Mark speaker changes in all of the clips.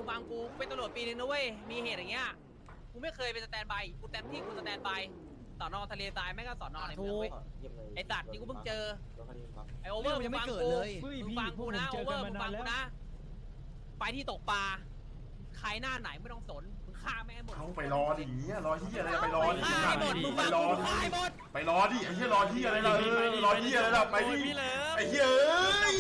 Speaker 1: ฟังกูเป็นตำรวจปีนึงนะเว้ยมีเหตุอย่างเงี้ยกูไม่เคยเป็นสแตนบายกูแต่ที่กูสแตนบายสอนอทะเลทรายแม่งก็สอนอในเมืองเว้ยไอสัตว์ที่กูเพิ่งเจอไอโอเวอร์มึงฟังกูมึงฟังกูนะโอเวอร์มึงฟังกูนะไปที่ตกปลาใครหน้าไหนไม่ต้องสนมึงฆ่าแม่งหมด
Speaker 2: เอาไปรอดิเงี้ยรอที่อะไรไปรอดิ
Speaker 1: ฆ่าหมดมึง
Speaker 2: ไป
Speaker 1: ฟัง
Speaker 2: รอ
Speaker 1: กู
Speaker 2: ดิ
Speaker 1: ฆ่าหมด
Speaker 2: ไปรอดิไอ้เหี้ยรอที่อะไรล่ะรอที่อะไรล่ะไปดิไอ้เหี้ยเอ้ย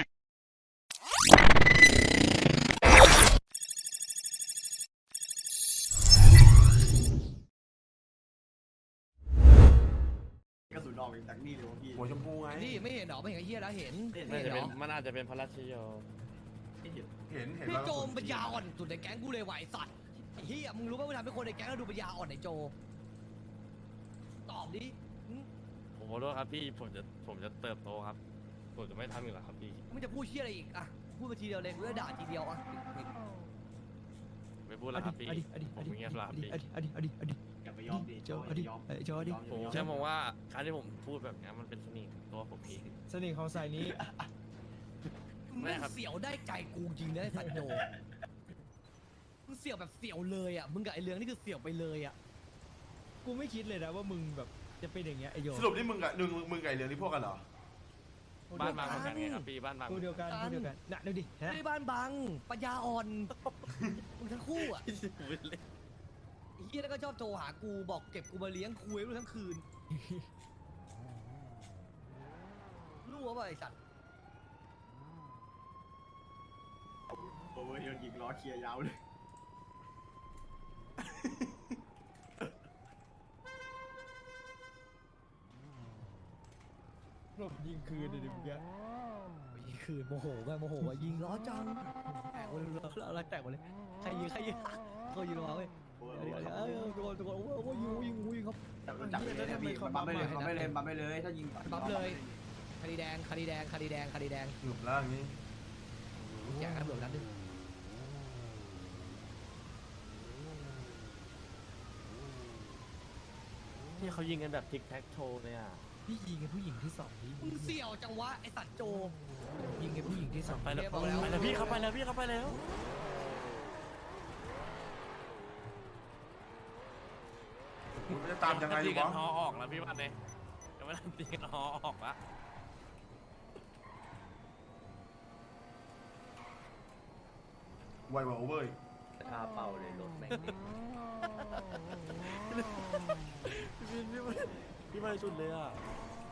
Speaker 3: กระสุนออกจากนี่เลยวะพี่
Speaker 2: หัวชมพูไง
Speaker 4: นี่ไม่เห็นหรอไม่เห็นไอ้เหี้ยแล้วเห็น
Speaker 5: มันอาจจะเป็นพระราชโย
Speaker 2: เห็น
Speaker 4: พี่
Speaker 2: แล้ว
Speaker 4: โจมปัญญาอ่อนสุดในแก๊งกูเลยไหวสัตว์ไอ้เหี้ยมึงรู้ป่ะว่าทำให้คนในแก๊งเราดูปัญญาอ่อนไอ้โจตอบดิ
Speaker 5: ผมขอโทษครับพี่ผมจะเติบโตครับผมจะไม่ทำอีกแล้วครับพี่
Speaker 4: มึงจะพูดเหี้ยอะไรอีกอ่ะพูดไปทีเดียวเลยกูจะด่าทีเดียวอ่ะ
Speaker 5: ไม่พูดแล้วครับพี่ผมเงียบแล้วครับพี่
Speaker 3: อย่าไปยอมดิโจยอม
Speaker 4: โจดิ
Speaker 5: ผมแค่มองว่าการที่ผมพูดแบบนี้มันเป็นเสน่ห์ของตัวผมเอง
Speaker 6: เสน่ห์ของสายนี้
Speaker 4: ไม่เสียวได้ใจกูจริงนะไอ้สัตว์โจมึงเสี่ยวแบบเสี่ยวเลยอ่ะมึงกับไอ้เรืองนี่คือเสี่ยวไปเลยอ่ะ
Speaker 6: กูไม่คิดเลยนะว่ามึงแบบจะเป็นอย่างเงี้ยไอโย
Speaker 2: สรุปนี่มึงกับไก่เรืองที่พวกกันเหรอ
Speaker 5: บ้านบางเหมือนกันไงครับพี่บ้านบาง
Speaker 6: กูเดียวกันน่ะดูดิ
Speaker 4: ไม่
Speaker 6: ฮะ
Speaker 4: ได้บ้านบังปัญญาอ่อนมึงทั้งคู่อ่ะไอ้เหี้ยแล้วก็ชอบโทรหากูบอกเก็บกูมาเลี้ยงคุยรู้ทั้งคืนรู้ว่าไอ้สัตว์
Speaker 3: โอเวอร์โดนยิงล้อเคลียร์ยาวเลย
Speaker 6: หลบยิงคืนเลยดิมึงแก
Speaker 4: ยิงคืนโมโหว่ายิงล้อจังแตกหมดเลยเราแตกหมดเลยใครยิงเขายิงมาเว้ยเดี๋ยวทุกคนโอ้ยิงครับ
Speaker 3: จับเลยนะพี่บัมไม่เลยถ้ายิง
Speaker 4: บัฟเลยคดีแดง
Speaker 2: หยุดแล้วอย่างนี้
Speaker 4: แจ้งตำรวจนัดนึง
Speaker 5: ที่เขายิงกันแบบทิกแท็กโชว์เลยอ่ะ
Speaker 6: พี่ยิงไอ้ผู้หญิงที่สองดิ
Speaker 4: มึงเสี่ยวจังวะไอสัตว์โจ
Speaker 6: ยิงไอ้ผู้หญิงที่สอง
Speaker 5: ไปแล้วพี่เขาไปแล้ว
Speaker 2: มึงจะตามยังไงอยู่
Speaker 5: กั
Speaker 2: วะ
Speaker 5: นฮอออกแล้วพี่วันเนี่ยยังไม่ทันตีกันฮอออกละ
Speaker 2: ไวกว่าโอเวอร์
Speaker 3: คาเป่าเลยรถแม่ง
Speaker 5: พี่ไม่สุดเลยอ่ะ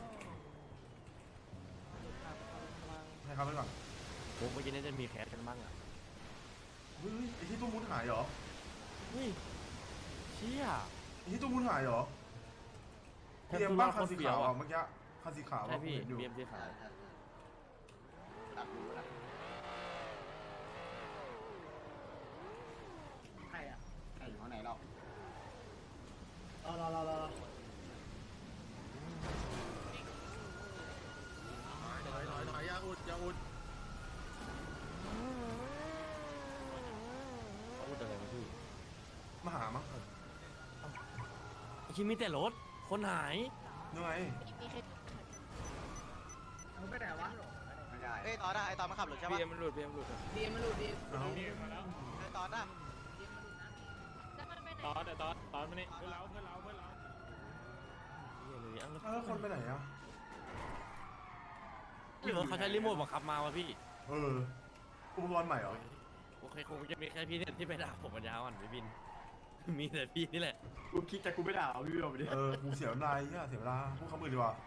Speaker 2: ให้เขาไปก่อน
Speaker 5: ผมเมื่อกี้นี่จะมีแคสกันบ้างอ่ะ
Speaker 2: เฮ้ยไอ้ที่ตู้มุดหายเหรอ
Speaker 5: เฮ้ยเชี่ย
Speaker 2: ไอ้ที่ตู้มุดหายเหรอเตรียมบ้างคันสีขาวอ่ะเมื่อกี้คันสีขาว
Speaker 5: ใช่พี่
Speaker 2: อยู่
Speaker 5: เบียมสีขาว
Speaker 3: ใครอ่ะใครอยู่ข้างไหนเรา
Speaker 5: พูดอะไรมาพี่
Speaker 2: มาหามั้ง
Speaker 5: คิดมีแต่รถคนหาย
Speaker 2: ยังไง
Speaker 3: ไม่ได้วะไม่ได้
Speaker 7: เฮ้ยตอนน่ะไอตอนมันขับรถใช่ปะ
Speaker 1: ดีมันหลุด
Speaker 2: เอา
Speaker 7: ไอตอนน่ะ
Speaker 5: ตอนมานี่เพื่อนเรา
Speaker 2: แล้วคนไปไหนอ่ะ
Speaker 5: หรือเขาใช้รีโมทบังคับมาวะพี่
Speaker 2: อุปกรณ์ใหม่เหรอ
Speaker 5: โอเคคงจะมีแค่พี่เนี่ยที่ไปด่าผมปัญญาอ่อนพี่บิน มีแต่พี่นี่แหละ
Speaker 3: กูคิดแต่กูไม่ด่าเอาพี่เอาไปดิ
Speaker 2: กูเสียเวลาเนี่ยเสียเวลาพูดคำอื่นดีกว่า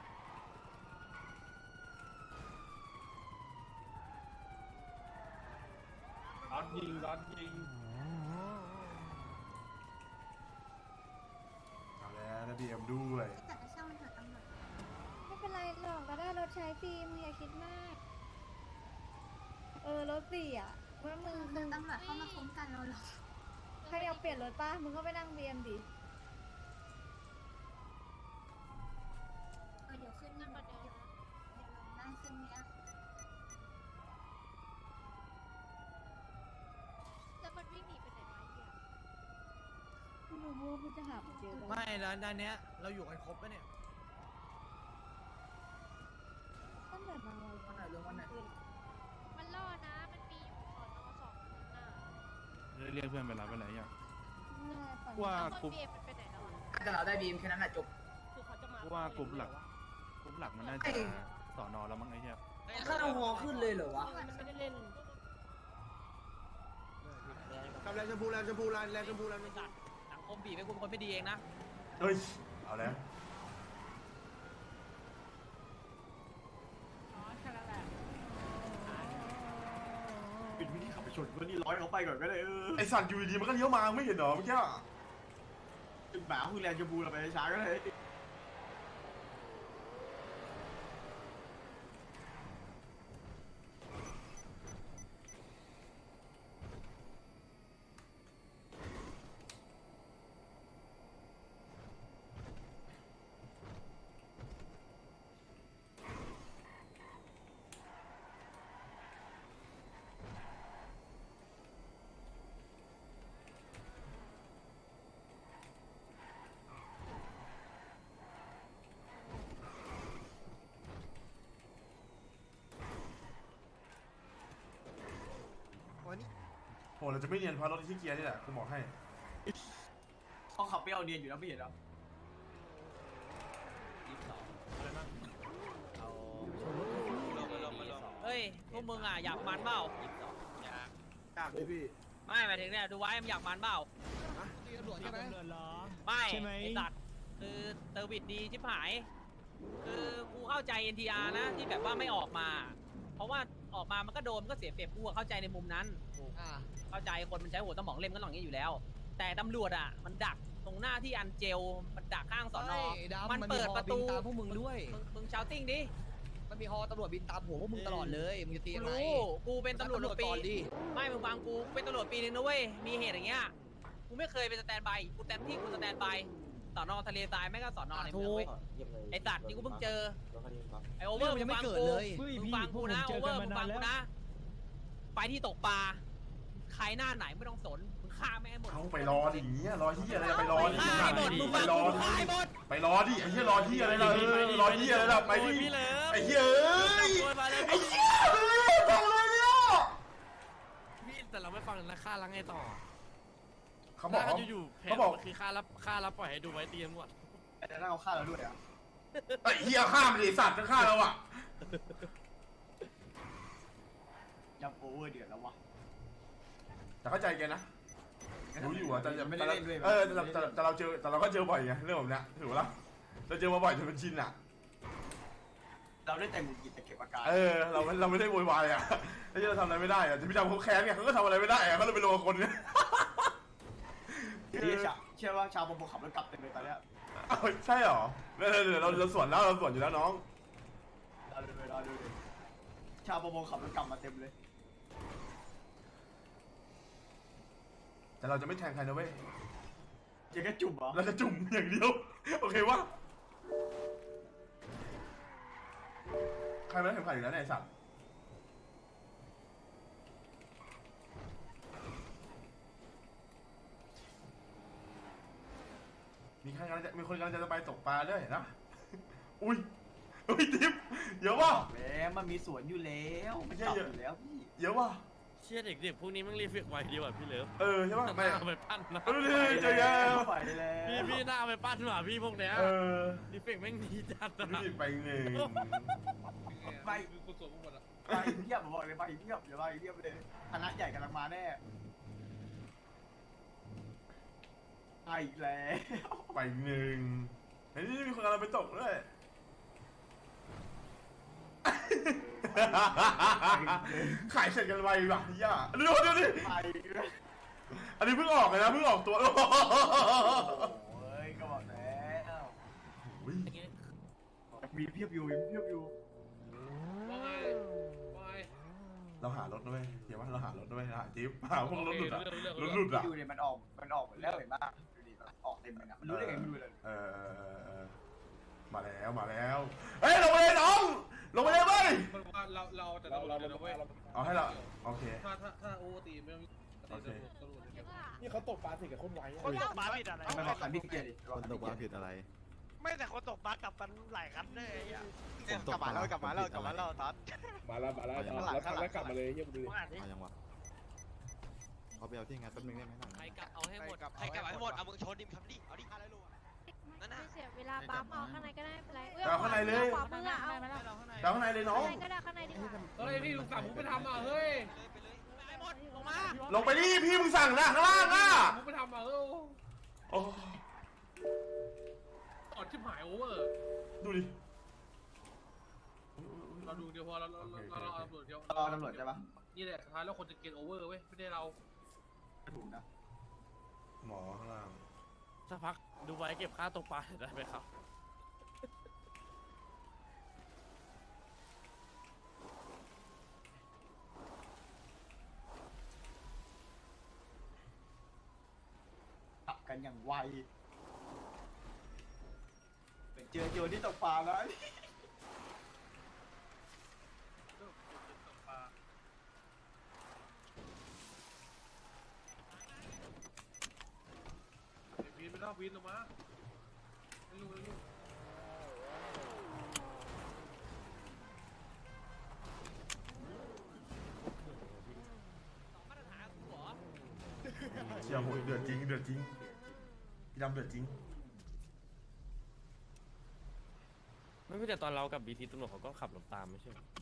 Speaker 2: ร้อนยิงเอาแล้วนะบีเอ็มด้วย
Speaker 8: แต่จะช่างมันเถอะตำรวจไม่เป็นไรหรอกก็ได้รถใช้ฟรีมึงอย่าคิดมาก รถฟรีอ่ะเมื่อมึงตำรวจเข้ามาคุ้มกันเราหรอใครอยากเปลี่ยนรถป้ามึงก็ไปนั่งเบียมดิเดี๋ยวขึ้นนี่เดี๋ยวลองนั่งขึ้นเนี้ยแล้วมันวิ่งหนีไปไหนมาเนี่ยไม่รู้ว่ามันจะหาเจอ
Speaker 4: ไม่แล้วด้านเนี้ยเราอยู่กันครบปะเนี่ย
Speaker 8: ตั้งแต่บางวัน
Speaker 9: มันล่อนะ มันมีอยู่ก่อนนอสองคนน่ะเรียกเพื่อนไปรับอะไรอย่าง
Speaker 8: ว่า
Speaker 9: ว่ากลุ่ม
Speaker 1: แต่เราได้บีมแค่นั้นแหละจบ
Speaker 9: ว่ากลุ่มหลักมันน่าจะสอนอแล้วมั้งไอ้เหี้ย
Speaker 1: ข้าวหอขึ้นเลยเหรอวะ
Speaker 3: กับแรงชมพูแรงชมพูแรงชมพูแรงชมพู
Speaker 1: สังคมบีบให้คุณเป็นคนไม่ดีเองนะ
Speaker 2: เฮ้ยเอาแล้ว
Speaker 3: ปิดวิธีขับไปชนเพื่อนนี่ร้อยเขาไปก่อนก็เลย
Speaker 2: ไอสัตว์อยู่ดีๆมันก็เลี้ยวมาไม่เห็นเหรอเมื่อกี้
Speaker 3: จุดหมาคือแรงชมพูเราไปช้าก็เลย
Speaker 2: โหเราจะไม่เนียนเพราะรถที่เกียร์นี่แหละกูบอกให้
Speaker 3: เขาขับไปเอาเนียนอยู่แล้วไม่เห็นหรอ
Speaker 1: เฮ้ยพวกมึงอ่ะอยากมันเปล่า
Speaker 3: จ้างเลยพี่
Speaker 1: ไม่หมายถึงเนี่ยดูไว้มันอยากมันเปล่า
Speaker 6: ตีตำรวจใช่ไหม
Speaker 1: ไม่
Speaker 6: ใช่ไหม
Speaker 1: ไอสัตว์คือเซอร์วิสดีชิบหาย คือกูเข้าใจ NTR นะที่แบบว่าไม่ออกมา เพราะว่าออกมามันก็โดนมันก็เสียเปรียบกูอะเข้าใจในมุมนั้นเข้าใจคนมันใช้หัวสมองเล่นก็ต้องอย่างนี้อยู่แล้ว แต่ตำรวจอ่ะมันดักตรงหน้าที่อันเจลมันดักข้างสอนอมันเปิดประตู
Speaker 4: ตามพวกมึงด้วย
Speaker 1: มึงชาวติ้งดิ
Speaker 4: มันมีฮอตำรวจบินตามหัวพวกมึงตลอดเลยมึงจะตี
Speaker 1: กู
Speaker 4: อะไร
Speaker 1: รู้กูเป็นตำรวจปี
Speaker 4: ก่อนดิ
Speaker 1: ไม่มึงฟังกูเป็นตำรวจปีนึงนะเว้ยมีเหตุอย่างเงี้ยกูไม่เคยเป็นสแตนบายกูแตนที่กูสแตนบายสอนอทะเลทรายแม่งก็สอนอในเมืองเว้ยไอสัตว์นี่กูเพิ่งเจอไอโอเวอร์มึงฟังกูมึงฟังกูนะโอเวอร์มึงฟังกูนะไปที่ตกปลาใครหน้าไหนไม่ต้องสนมึงฆ่าแม่งให้หมด
Speaker 2: เอาไปรอดิอย่างเงี้ยรอที่อะไรไปรอดิ
Speaker 1: ฆ่าให้หมดมึง
Speaker 2: ไป
Speaker 1: ฟัง
Speaker 2: รอ
Speaker 1: กู
Speaker 2: ดิ
Speaker 1: ฆ่าให้หมด
Speaker 2: ไปรอดิไอ้เหี้ยรอที่อะไรล่ะรอที่อะไรล่ะไปดิ
Speaker 5: พี่เลิฟ
Speaker 2: ไอ้เหี้ยเอ้ย
Speaker 5: มาเลย
Speaker 2: ไอ้เหี้ยเอ้ยทำอะไรเนี่ย
Speaker 5: พี่แต่เราไม่ฟังแล้วค่าล้างไงต่อ
Speaker 2: เขาบอก
Speaker 5: ค่อยู่ๆแผ
Speaker 2: เขา
Speaker 5: น
Speaker 2: บอก
Speaker 5: มันคือค่ารับปล่อยให้ดูไว้เตรียมหมด
Speaker 3: แต่ถ้าเขาฆ่าเราด้วยอ่ะ
Speaker 2: ไอ้เหี้ยฆ่ามันดิสัตว์จะฆ่าเราอ่ะ
Speaker 3: ยับโอเวอร์เดือดแล้ววะ
Speaker 2: แต่เข้าใจแกนะรู้อยู่อ่ะแต่
Speaker 3: ไม่ได้เล่นด้วย
Speaker 2: แต่เราเจอแต่เราก็เจอบ่อยไงเรื่องแบบเนี้ยถือว่าเราเจอมาบ่อยจนเป็นชินอ่ะ
Speaker 3: เราได้แต่งหงุดหงิดแต่เก็บอาการ
Speaker 2: เราไม่ได้โวยวายอ่ะไอ้ที่เราทำอะไรไม่ได้อ่ะจะพี่จำเขาแค้นไงเขาก็ทำอะไรไม่ได้อ่ะเขาเลยไปลงกับคนเนี่ย
Speaker 3: เชื่อว่าชาวประมงขับรถกลับเต็มเลยตอนเนี้ย
Speaker 2: อ้าวใช่เหรอเราสวนแล้วเราสวนอยู่แล้วน้อง
Speaker 3: รอดูเลยชาวประมงขับรถกลับมาเต็มเลย
Speaker 2: แต่เราจะไม่แทงใครนะเว้ย
Speaker 3: เจ๊ก็จุ่มเหรอ
Speaker 2: เราจะจุ่มอย่างเดียวโอเควะใครไม่ได้เข็มขัดอยู่แล้วเนี่ยไอ้สัตว์มีคนกำลังจะไปตกปลาด้วยนะอุ้ยทิปเยอะว่ะ
Speaker 3: แหมมันมีสวนอยู่แล้วมันจับอยู่แล้วพี่
Speaker 2: เยอะว่ะ
Speaker 5: เชี่ยเด็กๆพวกนี้มันรีเฟกไวดีกว่าพี่เลิฟ
Speaker 2: ใช่ป่ะไม่
Speaker 5: น่าเอาไปปั้นนะ
Speaker 2: ดูดิเจอแล้ว
Speaker 3: ไปแล้ว
Speaker 5: พี่น่าเอาไปปั้นหว่าพี่พวกเนี้ย
Speaker 2: เออ
Speaker 5: รีเฟกแม่งดีจัด
Speaker 2: ดู
Speaker 5: นะ
Speaker 2: ดิไปหนึ่ง
Speaker 3: ไปเพียบบอกเลยไปเพียบเดี๋ยวไปเพียบเลยคณะใหญ่กำลังมาแน่ไปอีกแล้ว
Speaker 2: ไปหนึ่งเฮ้ยนี่มีคนกำลังไปตกด้วย ขายเสร็จกันไวว่ะย่าดูดิ
Speaker 3: ไป
Speaker 2: อันนี้เพิ่งออกเลยนะเพิ่งออกตัว
Speaker 3: โอ้ยก็บอกแล้ว
Speaker 2: อุ๊ย
Speaker 3: มีเพียบอยู่
Speaker 2: เราหารถด้วยเดี๋ยวว่าเราหารถด้วยหาจิ๊บหาพวกรถหลุดอ่ะรถหลุดอ่ะ
Speaker 3: ดูเนี่ยมันออกหมดแล้วเห็นป่ะดูดิออกเต็มเลยนะมันรู้ได้ไงไม่รู้เลย
Speaker 2: มาแล้วเฮ้ยลงไปเลยน้องลงไปเลยเว้ย
Speaker 9: เราแต่เราเว้ย
Speaker 2: เอาให้เราโอเค
Speaker 9: ถ้าโอตีไม่ต้อง
Speaker 2: โอเค
Speaker 9: นี่เขาตกปลาสิกับคนไว้
Speaker 7: คนตกปลาผิดอะไร
Speaker 3: ไม่บอกคันพี่เกียร์ดิ
Speaker 10: คนตกปลาผิดอะไร
Speaker 7: ไม่แต่คนตกปลากลับกันหลายคันเลยกลับมาแล้วตัด
Speaker 9: มาแล้วแล้วกลับมาเลยเยี่ยมดู
Speaker 7: มึงอ่านดิ
Speaker 10: เอายังวะ
Speaker 9: เอาไปเอาที่งานแป๊บนึงได้ไหม
Speaker 1: ใครกลับเอาให้หมด
Speaker 7: ใครกลับให้หมดเอามึงชนดิมทำดิเอาดิ500 โลนั่นน่ะ
Speaker 8: ไม่เสียเวลาปั๊มเอาข้างในก็ได้เป็นไร
Speaker 2: เอาข้างในเลย
Speaker 8: ขวามือเอา
Speaker 2: เดาข้างในเลยน้อง
Speaker 8: ข้างในก็ได้ข้างในดีกว่า
Speaker 1: เฮ้ยพี่ลุงสั่งผมไปทำอ่ะเฮ้ยไปเลยไปหมดลงมา
Speaker 2: ลงไปดิพี่มึงสั่งนะข้างล่างอ่ะ
Speaker 1: ผมไปทำอ่ะ
Speaker 2: โอ้
Speaker 1: โอดชิบหายโอเวอร์
Speaker 2: ดูดิ
Speaker 1: เราดูเดียวพอเราเอาตำรวจเดียว
Speaker 3: รอตำรวจใช่ปะ
Speaker 1: นี่แหละสุดท้ายแล้วคนจะเกณฑ์โอเวอร์เว้ยไม่ได้เรา
Speaker 3: ถูกนะ
Speaker 2: หมอข้างล่าง
Speaker 5: สักพักดูไว้เก็บค่าตกปลาได้ไหมครับ
Speaker 3: ขับกันอย่างไวเป็นเจอโยนที่ตกปลาแล้ว
Speaker 1: วีนไม่ต้องวีนลงมาไม่รู้มาตรฐานหัว
Speaker 2: เชี่ยโหเดือดจริงเดือดจริงพี่ดำเดือดจริง
Speaker 5: ไม่ใช่แต่ตอนเรากับบีทีตำรวจเขาก็ขับรถตามไม่ใช่เหรอ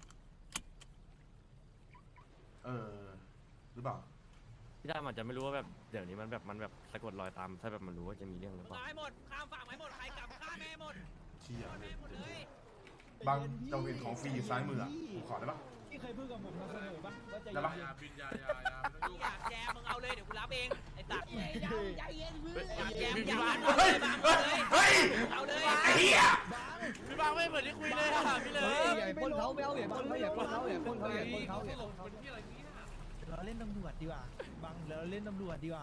Speaker 2: หรือเปล่า
Speaker 5: พี่ดามอาจจะไม่รู้ว่าแบบเดี๋ยวนี้มันแบบสะกดรอยตามถ้าแบบมันรู้ว่าจะมีเรื่องหรือเปล่า
Speaker 1: ตายหมดข้ามฝั่งไปหมดใครกลับฆ่าแม่หมด
Speaker 2: เชี่ย
Speaker 1: ฆ่า
Speaker 2: เล
Speaker 1: แม่
Speaker 2: ย
Speaker 1: หมดเลย
Speaker 2: บางจังเวียนของฟรีอยู่ซ้ายมืออ่ะผมขอได้ปะ
Speaker 6: ที่เคยพูดกับผมมาเสนอป่ะว่าจะ
Speaker 2: ได้ปะ
Speaker 1: อย่าบินอย่าอยากแจมมึงเอาเลยเดี๋ยวกูรับเองไอ้สัตว์อยากแจมอยากเอาเลยบังเอาเลย
Speaker 2: เฮ้ย
Speaker 1: เอาเลย
Speaker 2: ไอ้เหี้ย
Speaker 5: พี่บางไม่เหมือนที่คุยเลยอะพี่เลย
Speaker 4: อย่าพ่นเขาไม่เอาอย่าพ่นเขาอย่าพ่นเขาอย่าพ่นเขาอย่าพ่นเขาอย่า
Speaker 1: หล
Speaker 4: พ่
Speaker 1: ง
Speaker 4: นเขา
Speaker 1: เป็นที่อะไรนี้
Speaker 4: เราเล่นตำรวจดีกว่าบังเราเล่นตำรวจดีกว่า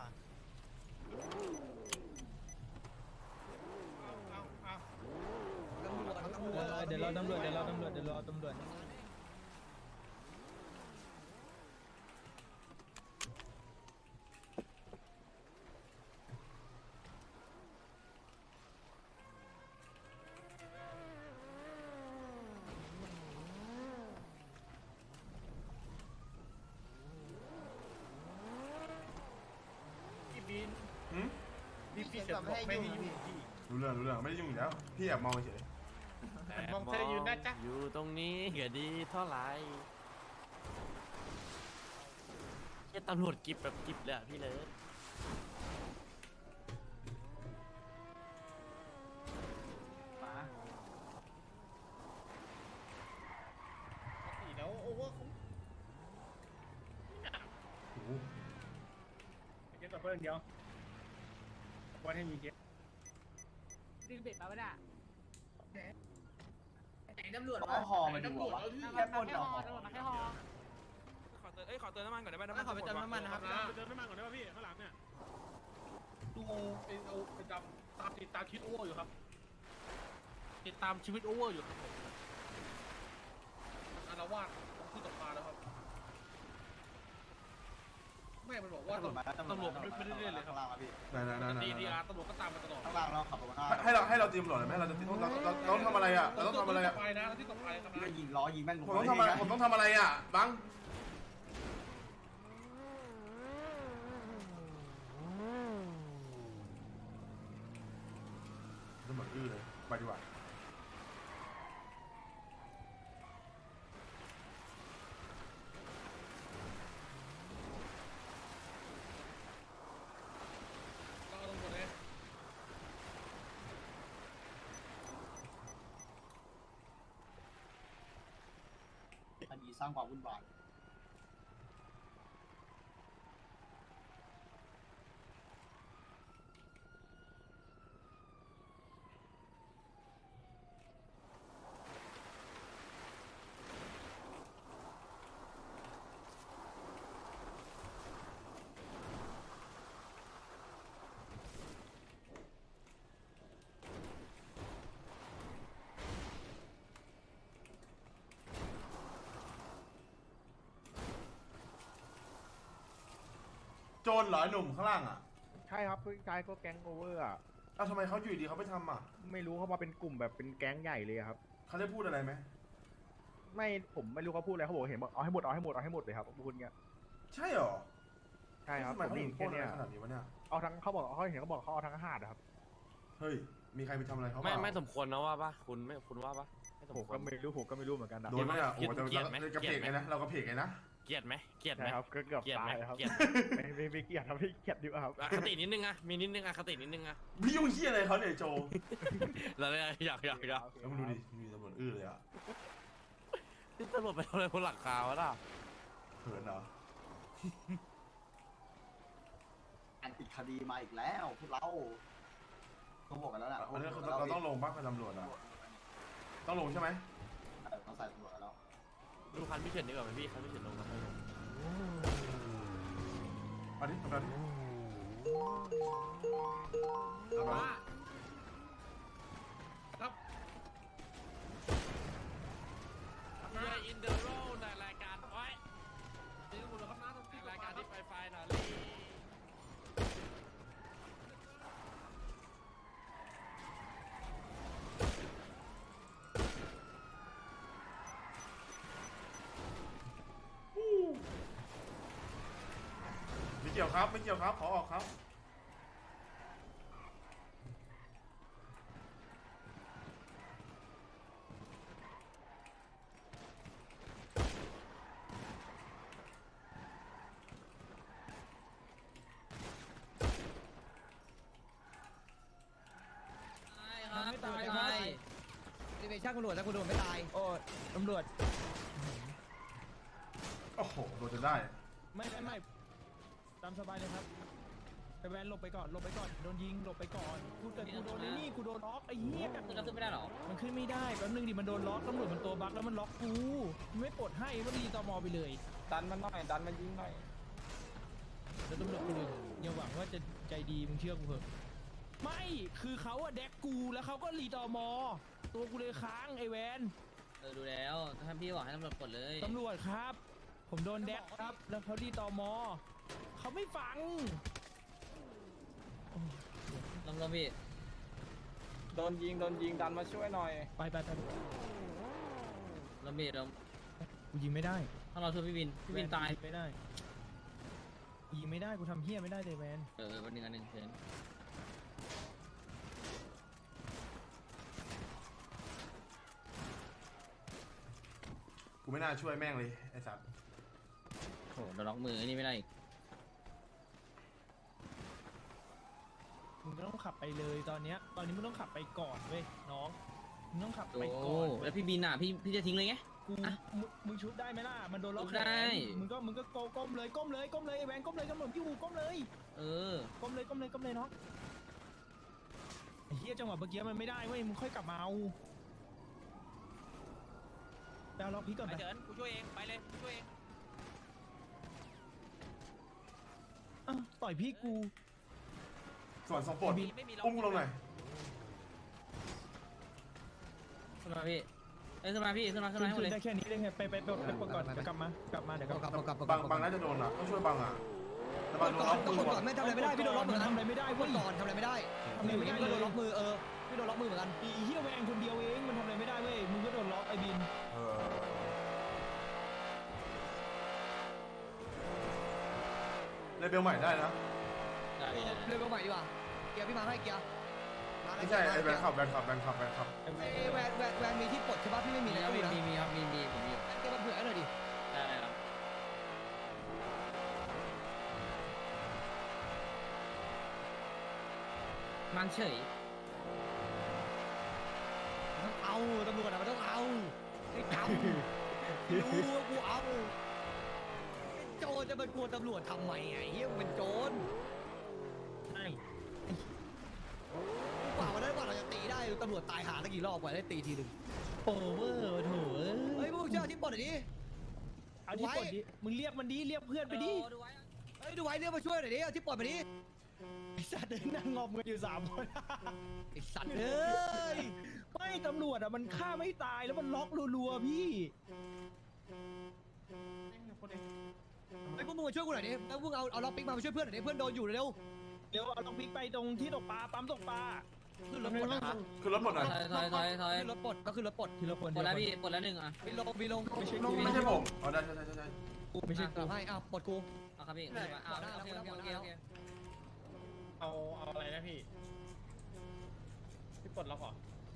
Speaker 4: เดี๋ยวเราตำรวจ
Speaker 2: หืม
Speaker 7: พี่เสร็จบอกไม่ให้ยุ่ง
Speaker 2: รู้เรื่องไม่ได้ยุ่งอยู่แล้วพี่แอบมองเฉย
Speaker 5: มองเธออยู่นะจ๊ะอยู่ตรงนี้ก็ดีเท่าไหร่แค่ตำรวจกิบแบบกิบเลยอะพี่เลย
Speaker 7: แล้วโอเวอร์
Speaker 2: โอ้โห
Speaker 6: เก็บตัวเพิ่มเดียวว่าให้มีเก็บ
Speaker 1: ดึงเบ็ดมาไม่ได้
Speaker 3: เอาหอมาดูวะแค่ปนเอาหอ
Speaker 5: ขอเติมน้ำมันก่อนได้ไหมน้ำมัน
Speaker 1: ขอไปเติมน้ำมันนะครับ
Speaker 6: เติมน้ำมันก่อนได้ป่ะพี่ข้างหลังเนี่ย
Speaker 1: ดูไปติดตามชีวิตโอเวอร์อยู่ครับติดตามชีวิตโอเวอร์อยู่ครับผมอารวาสที่ตกปลาแล้วครับแม่มันบอกว่าตำรวจไม่ได้เล่นเลยครับ
Speaker 3: ข้างล่างครับพี่
Speaker 2: นั่น
Speaker 1: ตำรวจก็ตามมาตลอด
Speaker 3: ข้างล่างเราขับมา
Speaker 2: ให้เราตีตำรวจไหมเราต้องทำอะไรอ่ะเราต้องทำอะไรอ่ะ
Speaker 1: ไปนะที่ตกปลาทำ
Speaker 3: พี่
Speaker 1: ไม
Speaker 3: ก็ยิงล้อยิงแม่ง
Speaker 2: ผมต้องทำอะไรอ่ะบังตำรวจอื้อเลยไปดีกว่า
Speaker 1: เราตำรวจเลย
Speaker 3: คดีสร้างความวุ่นวาย
Speaker 2: โจรเหรอหนุ่มข้างล่างอ่ะ
Speaker 9: ใช่ครับพี่ชายก็แก๊งโอเวอร์อ่ะ
Speaker 2: เอ้าทำไมเขาอยู่ดีเขาไปทำอ่ะ
Speaker 9: ไม่รู้เขามาเป็นกลุ่มแบบเป็นแก๊งใหญ่เลยครับ
Speaker 2: เขาได้พูดอะไรไหม
Speaker 9: ไม่ผมไม่รู้เขาพูดอะไรเขาบอกเห็นบอกเอาให้หมดเลยครับพูดเงี้ย
Speaker 2: ใช่เหรอ
Speaker 9: ใช่ครับ
Speaker 2: ทำไม
Speaker 9: ผม
Speaker 2: เขา
Speaker 9: ได้
Speaker 2: ถึ
Speaker 9: ยิ
Speaker 2: ง
Speaker 9: น
Speaker 2: โค่
Speaker 9: แค่
Speaker 2: นอะ
Speaker 9: เนี้
Speaker 2: ไร
Speaker 9: ย
Speaker 2: ขนาดนี้วะเนี่ย
Speaker 9: เอาทั้งเขาบอกเขาเห็นเขาบอกเขาเอาทั้งหาดอะครับ
Speaker 2: เฮ้ยมีใครไปทำอะไรเขา
Speaker 5: ไม่
Speaker 2: เปล่า
Speaker 5: ไม่สมควรนะว่าปะคุณไม่คุณว่าปะไม่สม
Speaker 9: ผม
Speaker 5: คว
Speaker 9: ก็
Speaker 5: ร
Speaker 9: ไม่รู้เหมือนกันนะ
Speaker 2: โดนไหมเนี่ยโอ้โหแต่
Speaker 5: เกลียดไหม
Speaker 2: กระเพกไงนะเรากระเพกไงนะ
Speaker 5: เกลียดไหมเกลียดไหม
Speaker 9: ใช่ครับก็เกือบ
Speaker 5: เกลียดไหม
Speaker 9: ตายครับ
Speaker 5: เกลียด
Speaker 9: ไม่เกลียดครับไม่เกลียดดีกว่าครับ
Speaker 5: อคตินิดนึงอะมีนิดนึงอคตินิดนึงอะ
Speaker 2: พี่ยุ่งเฮียอะไรเขาเนี่ยโจ
Speaker 5: แล้วเนี่ยอยาก
Speaker 2: แล้วมึงดูดิมีตำรวจอื้อเลยอ่ะ
Speaker 5: ที่ตำรวจไปทำอะไรบนหลังคาวะล่ะ
Speaker 2: เขินเหรอ
Speaker 3: อันติดคดีมาอีกแล้วพวกเราเขาบอกกันแล้วนะ
Speaker 2: อันนี้เราต้องลงบ้างกับตำรวจอ่ะต้องลงใช่ไหม
Speaker 3: เราใส่ตำรวจแล้ว
Speaker 5: ดูคันพี่เฉินดีกว่าไหมพี่คันพี่เฉินลงนะให้ลง
Speaker 2: เอาดิทำกันดิ
Speaker 5: เพื่ออินเดอร์โรในรายการไว้ในรายการที่ไฟหน่อยลี่
Speaker 2: ไม่เกี่ยวครับไม่เกี่ยวครับขอออกครับ
Speaker 4: ไม่ตายไม่รีเวชั่นตำรวจถ้าคุณโดนไม่ตายโอ้ตำรวจ
Speaker 2: โอ้โหโดนจนได้
Speaker 6: ไม่ตามสบายเลยครับไปแวนหลบไปก่อนโดนยิงหลบไปก่อนกูแต่กูโดนนี่กูโดนล็อกไอ้เหี้ย
Speaker 1: ขึ้นแล้วขึ้นไม่ได้หรอ
Speaker 6: มันขึ้นไม่ได้แป๊บนึงดิมันโดนล็อกตำรวจมันตัวบั๊กแล้วมันล็อกกูมันไม่ปลดให้มันรีตมไปเลย
Speaker 1: ดันมันหน่อยดันมันยิงหน่อย
Speaker 6: แล้วตำรวจกูเลยอย่าหวังว่าจะใจดีมึงเชื่อกูเถอะไม่คือเขาอะแดกกูแล้วเขาก็รีตมตัวกูเลยค้างไอ้แวน
Speaker 1: ดูแล้วท่านพี่บอกให้ตำรวจกดเลย
Speaker 6: ตำรวจครับ ผมโดนแดกครับ แล้วเขารีตมเขาไม่ฟัง
Speaker 1: ลงพี่
Speaker 10: โดนยิงดันมาช่วยหน่อย
Speaker 6: ไป
Speaker 1: ลงพี่ลง
Speaker 6: กูยิงไม่ได้
Speaker 1: ถ้าเราช่วยพี่วินตาย
Speaker 6: ไม่ได้ยิงไม่ได้กูทำเฮี้ยไม่ได้เลยแวน
Speaker 1: วันหนึ่งอันหนึ่งเชิญ
Speaker 2: กูไม่น่าช่วยแม่งเลยไอ้สัตว์
Speaker 1: โหโดนล็อกมือนี่ไม่ได้
Speaker 6: มึงก็ต้องขับไปเลยตอนนี้มึงต้องขับไปก่อนเว้ยน้องมึงต้องขับ
Speaker 1: โอ้
Speaker 6: ไปก่อน
Speaker 1: แล้วพี่บินอ่ะพี่จะทิ้งเลยไง
Speaker 6: กูมึงชุบได้ไหมล่ะมันโดนล็อก
Speaker 1: ชุบได้
Speaker 6: มึงก็ก้มเลยไอ้แวนก้มเลยกำหนดอยู่ก้มเลย ก้มเลยน้องไอ้เหี้ยจังหวะเมื่อกี้มันไม่ได้เว้ยมึงค่อยกลับมาเอาดาวล็อกพีก่อน
Speaker 1: ไป
Speaker 6: ไป
Speaker 1: เฉินกูช่วยเองไปเลยกูช่วยเอง
Speaker 6: ต่อยพี่กู
Speaker 2: ส่วนสองปลดอุ้มกูลงหน่อย
Speaker 1: ขึ้นมาพี่ขึ้นมาพี่ขึ้นมาหมดเลย
Speaker 6: ได้แค่นี้ได้ไงไปก่อนเดี๋ยวกลับมาเดี๋ยวกลับมา
Speaker 2: บังน่าจะโดนอ่ะต้องช่วยบังอ่ะแต่บังโดนล็อกมือว่ะ
Speaker 4: ไม่ทำอะไรไม่ได้พี่โดนล็อกมือ
Speaker 6: ทำอะไรไม่ได้
Speaker 4: เมื่
Speaker 6: เว้
Speaker 4: อย ก่อนทำอะไรไม่ได้พี่โดนล็อกมือพี่โดนล็อกมือเหมือนกัน
Speaker 6: อีเหี้ยแวงคนเดียวเองมันทำอะไรไม่ได้เว้ยมึงก็โดนล็อกไอ้บิน
Speaker 2: เลเบลใหม่ได้นะ
Speaker 4: เรื่องใหม่ดีกว่าเกียร์พี่มาให้เกียร์
Speaker 2: ไม่ใช่ไอ้แบงค์ขับ
Speaker 4: แวนมีที่ปลดใช่ป่ะพี่ไม่มีเลย
Speaker 1: มีครับมีผมมีอยู่
Speaker 4: เกียร์มาเผื่อหน่อยดิ
Speaker 1: ได้ครับ มันเฉย
Speaker 4: ต้องเอาตำรวจมันต้องเอาไอ้จำรู้ว่ากูเอาโจรจะมากลัวตำรวจทำไมไงเฮียมึงเป็นโจร
Speaker 6: ใช่
Speaker 4: กว่าวันนั้นกว่าเราจะตีได้ตำรวจตายหาตั้งกี่รอบกว่าได้ตีทีหนึ่ง
Speaker 6: โอเวอร์โถ
Speaker 4: เฮ้ยพวกเจ้าที่ปลดหน่อยดิ
Speaker 6: เอาที่ปลดดิมึงเรียกมันดิเรียกเพื่อนไปดิ
Speaker 4: เฮ้ยดูไว้เรียกมาช่วยหน่อยดิเอาที่ปลดมาดิ
Speaker 6: ไอ้สัตว์นั่งงอมกันอยู่3 คน
Speaker 4: ไอ้สัตว์เอ้ย
Speaker 6: ไม่ตำรวจอ่ะมันฆ่าไม่ตายแล้วมันล็อกรัวๆพี่
Speaker 4: ไอ้พวกมึงมาช่วยกูหน่อยดิแล้วพวกเอาล็อกปิ๊กมาช่วยเพื่อนหน่อยดิเพื่อนโดนอยู่เร็ว
Speaker 6: เดี๋ยวเอาต้องพลิกไปตรงที่ตกปลาปั๊มตกปลา
Speaker 4: ขึ้นรถปลดนะ
Speaker 2: คือรถหมดหน่อย
Speaker 1: ถอย
Speaker 4: ขึ้นรถปลดก็ขึ้นรถปลด
Speaker 6: ทีละคน
Speaker 1: ปลดแล้วพี่ปลดแล้วหนึ่งอ่ะ
Speaker 4: มีลง
Speaker 6: ไม่ใช่
Speaker 2: ไม่ใช่ผมอ๋อได้
Speaker 6: กูไม่ใช่กู
Speaker 4: ให้อ้าวปลดกู
Speaker 1: โอครับพี่โอเค
Speaker 10: เอาอะไรนะพี่ปลดล็อกเหรอ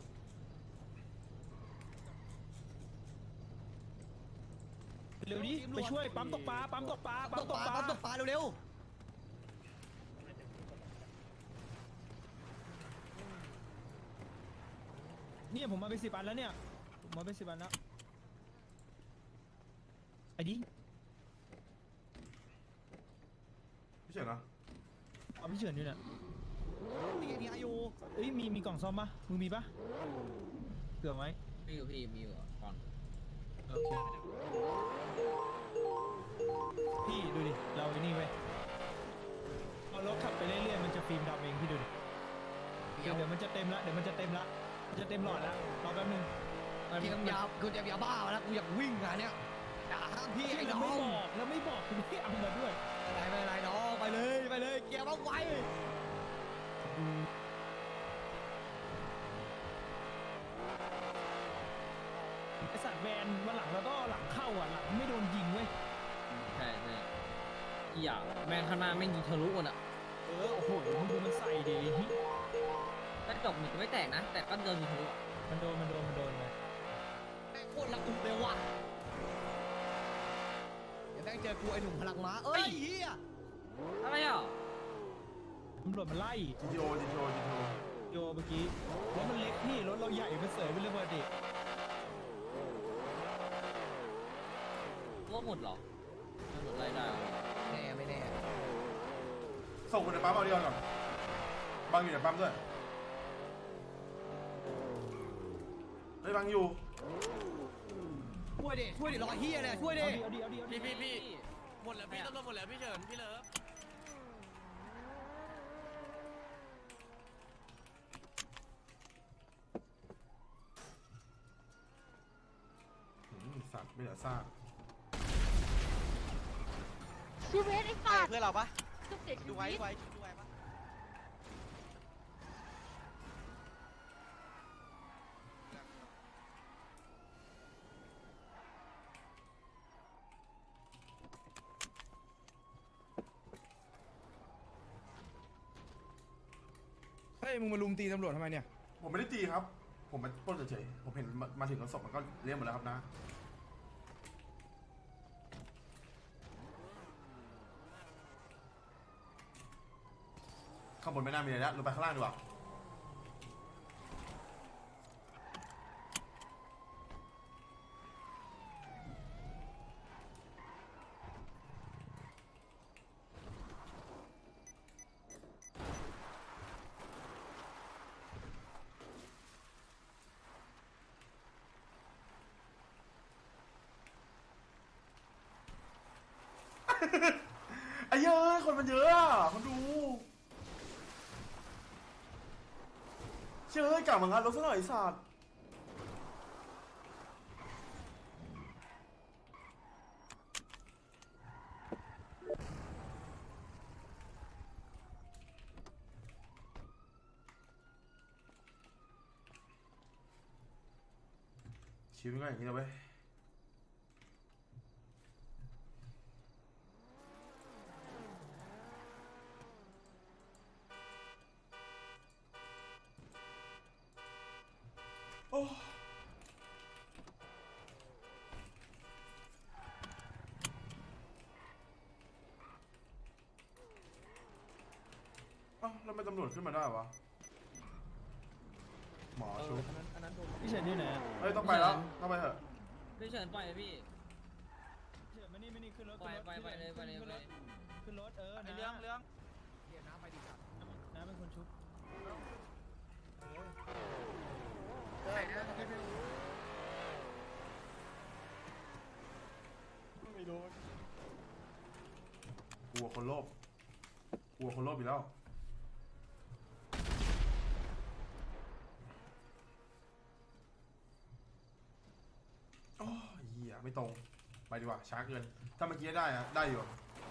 Speaker 6: เร็วดิไปช่วยปั๊มตกปลาปั๊มตกปลาปั๊มตกปลา
Speaker 4: ปั๊มตกปลาเร็ว
Speaker 6: เนี่ยผมมาไป10 อันแล้วเนี่ยผมมาไป10 อันแล้วไอ้ดิ
Speaker 2: พี่เฉินนะ
Speaker 6: เอาพี่เฉินอยู่เนี่ย
Speaker 4: ๆมีอายุ
Speaker 6: เอ้ยมีกล่องซ่อมปะมึงมีปะเผื่อไหม
Speaker 1: มีอยู่ก่อน
Speaker 6: โอเคพี่ดูดิเราไอ้นี่เว้ยเอารถขับไปเรื่อยๆมันจะฟิล์มดำเองพี่ดูดิเดี๋ยวมันจะเต็มละมันจะเต็มหลอดละรอแป๊บนึง
Speaker 4: พี่กำยากูจะยาบ้าแล้วกูอยากวิ่งงานเนี้ยอย่าห้ามพี่ไอ้
Speaker 6: แล้ว
Speaker 4: น้อ
Speaker 6: ไม่
Speaker 4: ง
Speaker 6: บอกแล้วไม่บอกคุณไม่เอามาด้วย
Speaker 4: ไม่เป็นไรน้องไปเลยเกียร์มาไว
Speaker 6: ไอสัตว์แวนวันหลังแล้วก็หลังเข้าอ่ะหลังไม่โดนยิงเว้ย
Speaker 1: ใช่อีหยาแม่งข้างหน้าแม่งยิงทะลุหมดอ่ะ
Speaker 6: โอ้โหมึงดูมันใส่ดิ
Speaker 1: กระจกหนึ่งไม่แตกนะแต่ก็เดินยิงทะลุ
Speaker 6: มันโดนเลย
Speaker 4: โคตรละอุเลยว่ะเดี๋ยวแม่งเจอกูไอ้หนุ่มพลังม้าเอ้ยเฮีย
Speaker 1: อะไรอ่ะ
Speaker 6: ตำรวจมันไล่
Speaker 2: GTO
Speaker 6: โยเมื่อกี้รถมันเล็กพี่รถเราใหญ่มันเสยเป็นเรื่องปกติ
Speaker 1: ว่าหมดเหรอหมดไล่ได้
Speaker 4: ไม่แน่
Speaker 2: ส่งคนในปั๊มเอาเดียวก่อนบังอยู่ในปั๊มด้วยเฮ้ยบังอยู่
Speaker 4: ช่วยดิรอเฮียเนี่ยช่วยดิ
Speaker 6: เอาดิ
Speaker 5: พี่หมดแล้วพี่ตำรวจหมดแล้วพี่เฉินพี่เลิฟ
Speaker 2: สัตว์ไม่เหลือซาก
Speaker 8: ชีวิตไอ้สัตว์
Speaker 7: เพื่อนเราปะ
Speaker 8: ก็เสียชี
Speaker 7: ดู
Speaker 8: วิต
Speaker 7: ไว้ปะ
Speaker 9: เฮ้ยมึงมาลุมตีตำรวจทำไมเนี่ย
Speaker 2: ผมไม่ได้ตีครับ ผมมาปล้นเฉยๆผมเห็นมาถึงแล้วศพมันก็เลี้ยงหมดแล้วครับนะข้างบนไม่น่ามีอะไรแล้วลงไปข้างล่างดีกว่าไอ้เย้ยคนมันเยอะอ่ะคนดูเชื่อกลับมางานรถซะหน่อยไอ้สัตว์ชีวิตมันก็อย่างนี้นะเว้ยโอ้เอ้าแล้วทำไมตำรวจขึ้นมาได้วะหมอชุบ
Speaker 6: พี่เฉินอยู่ไหน
Speaker 2: เฮ้ยต้องไปแล้วต้องไปเถอะ
Speaker 1: พี่เฉินปล่อยพี่
Speaker 6: เฉินมานี่ขึ้นรถ
Speaker 1: ไปเลย
Speaker 6: ขึ้นรถ
Speaker 3: ไอ้
Speaker 6: นะ
Speaker 3: เรื่อง
Speaker 4: เฮียน้ำไปดิสัตว์
Speaker 6: น้าเป็นคนชุบ
Speaker 2: กลัวคนโลภกลัวคนโลภอีกแล้วโอ้ยเหี้ยไม่ตรงไปดีกว่าช้าเกินถ้าเมื่อกี้ได้อะได้อยู่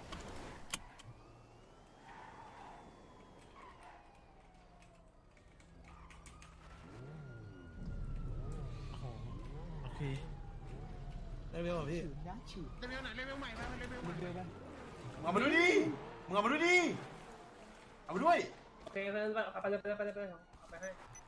Speaker 6: โอเค
Speaker 4: เร็วๆพี่
Speaker 6: ฉืนนะฉืน
Speaker 3: เลเวลไหนเลเวลใหม่มาเลเวลใหม่
Speaker 6: เร็วไป
Speaker 2: มึงเอามาด้วยดิมึงเอามาด้วยดิเอามาด้วย
Speaker 10: โอเคไปเลยเอาไปให้